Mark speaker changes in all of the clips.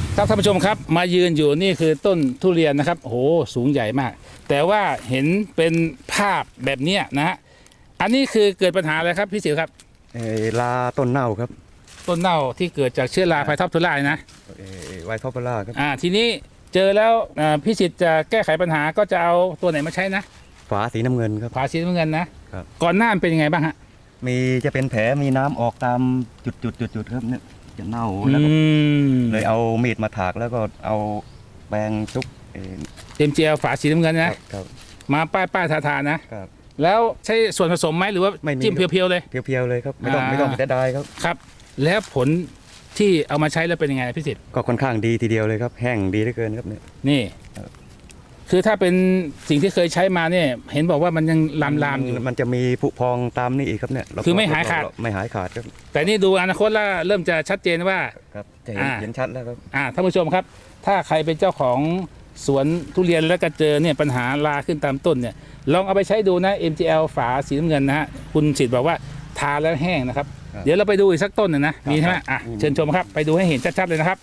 Speaker 1: ครับท่านผู้ชมครับมายืนอยู่นี่คือต้นทุเรียนนะครับโอ้โหสูงใหญ่มาก แต่ว่าเห็นเป็นภาพแบบนี้นะฮะอันนี้คือเกิดปัญหาอะไรครับพี่สิวครับ
Speaker 2: ลาต้นเน่าครับ
Speaker 1: ต้นเน่าที่เกิดจากเชื้อราไฟท็อปทูล่านะ
Speaker 2: ไวท์ท็อปทูล่าครับ
Speaker 1: ทีนี้เจอแล้วพี่สิทธิ์จะแก้ไขปัญหาก็จะเอาตัวไหนมาใช้นะ
Speaker 2: ฝาสีน้ำเงินครับ
Speaker 1: ฝาสีน้ำเงินนะครับก่อนหน้ามันเป็นยังไงบ้างฮะ
Speaker 2: จะเป็นแผลมีน้ำออกตามจุดครับเนี่ยจะเน่าแล้วก็เลยเอามีดมาถากแล้วก็เอาแปรงชุบ
Speaker 1: MGL ฝาสีน้ำเงินนะครับมาป้ายทานะครับแล้วใช้ส่วนผสมไหมหรือว่าจิ้มเพียวๆเลย
Speaker 2: เพียวๆเลยครับไม่ต้องเสียดายครับ
Speaker 1: ครับแล้วผลที่เอามาใช้แล้วเป็นยังไงพี่สิทธิ์
Speaker 2: ก็ค่อนข้างดีทีเดียวเลยครับแห้งดีเหลือเกินครับเนี่ย
Speaker 1: นี่คือถ้าเป็นสิ่งที่เคยใช้มาเนี่ยเห็นบอกว่ามันยังลามอยู่
Speaker 2: มันจะมีผุพองตามนี่อีกครับเนี่ย
Speaker 1: คือไม่หายขาด
Speaker 2: ครับ
Speaker 1: แต่นี่ดูอนาคตแล้วเริ่มจะชัดเจนว่า
Speaker 2: ครับจะเห็นชัดแล้วครับ
Speaker 1: ท่านผู้ชมครับถ้าใครเป็นเจ้าของสวนทุเรียนแล้วก็เจอเนี่ยปัญหาราขึ้นตามต้นเนี่ยลองเอาไปใช้ดูนะ MGL ฝาสีน้ำเงินนะฮะคุณสิทธิ์บอกว่าทาแล้วแห้งนะครับเดี๋ยวเราไปดูอีกสักต้นหนึ่งนะมีใช่ไหมเชิญชมครับไปดูให้เห็นชัดๆเลยนะครับ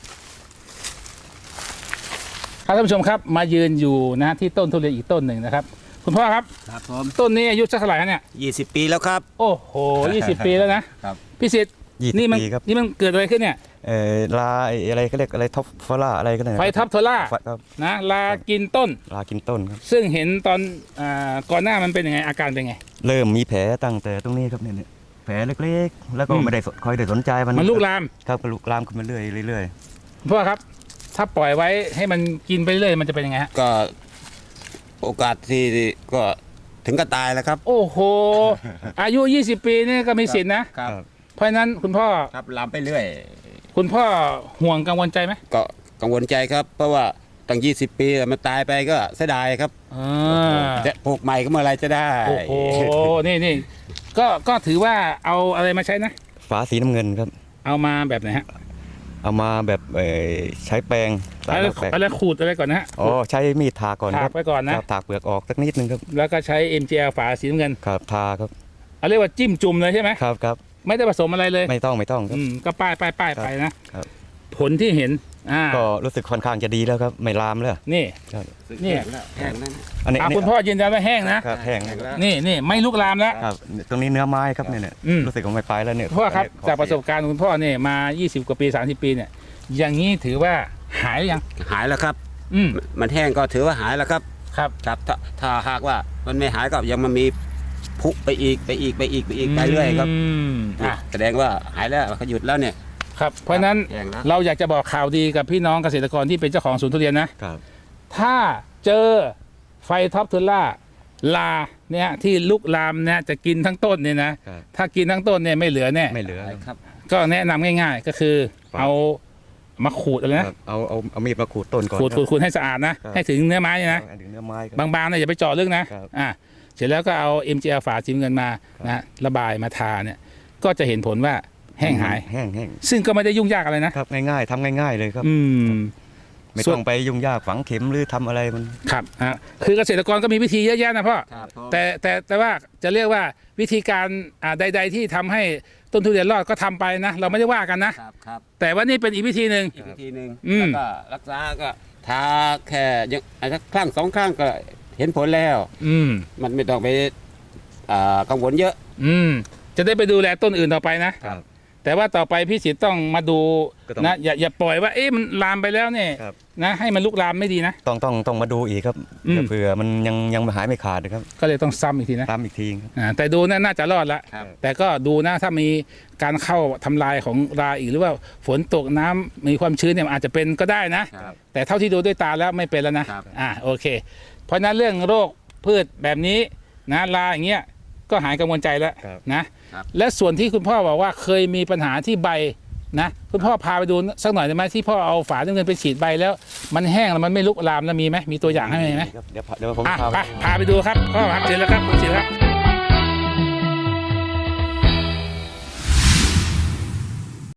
Speaker 1: ท่านผู้ชมครับมายืนอยู่นะที่ต้นทุเรียนอีกต้นหนึ่งนะครับคุณพ่อครับ
Speaker 3: ครับผม
Speaker 1: ต้นนี้อายุสักเท่าไหร่เนี่ย
Speaker 3: 20 ปีแล้วครับ
Speaker 1: โอ้โห20 ปีแล้วนะครับพี่สิทธิ์นี่มันเกิดอะไรขึ้นเนี่ย
Speaker 2: ลาอะไรเขาเรียกอะไรท็อปฟล่าอะไรก็ได้
Speaker 1: ไฟท็อปทูล่านะลากินต้น
Speaker 2: ครับ
Speaker 1: ซึ่งเห็นตอนก่อนหน้ามันเป็นยังไงอาการเป็นไง
Speaker 2: เริ่มมีแผลตั้งแต่ตรงนี้ครับเนี่ยแผลเล็กๆแล้วก็ไม่ได้คอยได้สนใจ
Speaker 1: มันลุกลาม
Speaker 2: ครับลุกลามขึ้นมาเรื่อย
Speaker 1: พ่อครับถ้าปล่อยไว้ให้มันกินไปเรื่อยมันจะเป็นยังไงฮะ
Speaker 3: ก็โอกาสที่ก็ถึงก็ตายแล้วครับ
Speaker 1: โอ้โหอายุ20 ปีนี่ก็มีสิทธินะครับเพราะฉะนั้นคุณพ่อ
Speaker 3: ครับลามไปเรื่อย
Speaker 1: คุณพ่อห่วงกังวลใจไหม
Speaker 3: ก็กังวลใจครับเพราะว่าตั้ง20 ปีมันตายไปก็เสียดายครับจะปลูกใหม่ก็เมื่อไรจะได้
Speaker 1: โอ้โหนี่ก็ถือว่าเอาอะไรมาใช้นะ
Speaker 2: ฝาสีน้ำเงินครับ
Speaker 1: เอามาแบบไหนฮะ
Speaker 2: เอามาแบบใช้แปรง
Speaker 1: อะไรขูดอะไรก่อนนะฮะ
Speaker 2: ใช้มีดทาก่อน
Speaker 1: ถากไปก่อนนะ
Speaker 2: ถากเปลือกออกสักนิดนึงครับ
Speaker 1: แล้วก็ใช้ MGL ฝาสีน้ำเงิน
Speaker 2: ครับทาครับ
Speaker 1: เรียกว่าจิ้มจุ่มเลยใช่ไหม
Speaker 2: ครับ
Speaker 1: ไม่ได้ผสมอะไรเลย
Speaker 2: ไม่ต้องครับ
Speaker 1: ก็ป้ายไปนะผลที่เห็น
Speaker 2: ก็รู้สึกค่อนข้างจะดีแล้วครับไม่ลามแล้ว
Speaker 1: นี่
Speaker 3: แห้ง
Speaker 1: อันนี้คุณพ่อยืนยันว่าแห้งนะครับ
Speaker 2: แห้ง
Speaker 1: นี่ไม่ลุกลามแล้ว
Speaker 2: ครับตรงนี้เนื้อไม้ครับเนี่ยรู้สึกว่าไม่ไปแล้วเนี่ย
Speaker 1: พ่อครับจากประสบการณ์คุณพ่อเนี่ยมา20 กว่าปี30 ปีเนี่ยอย่างนี้ถือว่าหายหรือยัง
Speaker 3: หายแล้วครับมันแห้งก็ถือว่าหายแล้วครับ
Speaker 1: ครับ
Speaker 3: ถ้าหากว่ามันไม่หายก็ยังมันมีพุไปอีกไปเรื่อยครับแสดงว่าหายแล้วเขาหยุดแล้วเนี่ย
Speaker 1: ครับเพราะนั้นเราอยากจะบอกข่าวดีกับพี่น้องเกษตรกรที่เป็นเจ้าของสวนทุเรียนนะครับถ้าเจอไฟท็อปทูล่าลาเนี่ยที่ลุกลามเนี่ยจะกินทั้งต้นเนี่ยนะถ้ากินทั้งต้นเนี่ยไม่เหลือแน่
Speaker 2: ไม่เหลือครับ
Speaker 1: ก็แนะนำง่ายๆก็คือเอามาขูดอะไรนะ
Speaker 2: เอามีดมาขูดต้นก่อน
Speaker 1: ขูดให้สะอาดนะให้ถึงเนื้อไม้นะบางๆเนี่ยอย่าไปเจาะลึกนะเสร็จแล้วก็เอา MGL ฝาสีเงินมานะระบายมาทาเนี่ยก็จะเห็นผลว่าแห้งหายซึ่งก็ไม่ได้ยุ่งยากอะไรนะครับ
Speaker 2: ง่ายๆทำง่ายๆเลยครับไม่ต้องไปยุ่งยากฝังเข็มหรือทำอะไรมัน
Speaker 1: ครับคือเกษตรกรก็มีวิธีเยอะแยะนะพ่อแต่ว่าจะเรียกว่าวิธีการใดๆที่ทำให้ต้นทุเรียนรอดก็ทำไปนะเราไม่ได้ว่ากันนะแต่ว่านี่เป็นอีกวิธีหนึ่ง
Speaker 3: แล้วก็รักษาก็ทาแค่ยังสักครั้ง2 ครั้งก็เห็นผลแล้วมันไม่ต้องไปกังวลเยอะ
Speaker 1: จะได้ไปดูแลต้นอื่นต่อไปนะแต่ว่าต่อไปพี่สิทธิ์ต้องมาดูนะอย่าปล่อยว่ามันลามไปแล้วเนี่ยนะให้มันลุกลามไม่ดีนะ
Speaker 2: ต้องมาดูอีกครับเผื่อมันยังหายไม่ขาดนะครับ
Speaker 1: ก็เลยต้องซ้ำอีกทีนะ
Speaker 2: ซ้ำอีกที
Speaker 1: แต่ดูน่าจะรอดละแต่ก็ดูนะถ้ามีการเข้าทำลายของราอีกหรือว่าฝนตกน้ำมีความชื้นเนี่ยอาจจะเป็นก็ได้นะแต่เท่าที่ดูด้วยตาแล้วไม่เป็นแล้วนะโอเคเพราะนั้นเรื่องโรคพืชแบบนี้นะราอย่างเงี้ยก็หายกังวลใจแล้วนะและส่วนที่คุณพ่อบอกว่าเคยมีปัญหาที่ใบนะคุณพ่อพาไปดูสักหน่อยได้ไหมที่พ่อเอาฝาเงินไปฉีดใบแล้วมันแห้งแล้วมันไม่ลุกลามแล้วมีไหมมีตัวอย่างให้ไหม
Speaker 2: เดี๋ยวผม
Speaker 1: พาไปดูครับพ่อครับเชิญแล้วครับเชิญครับ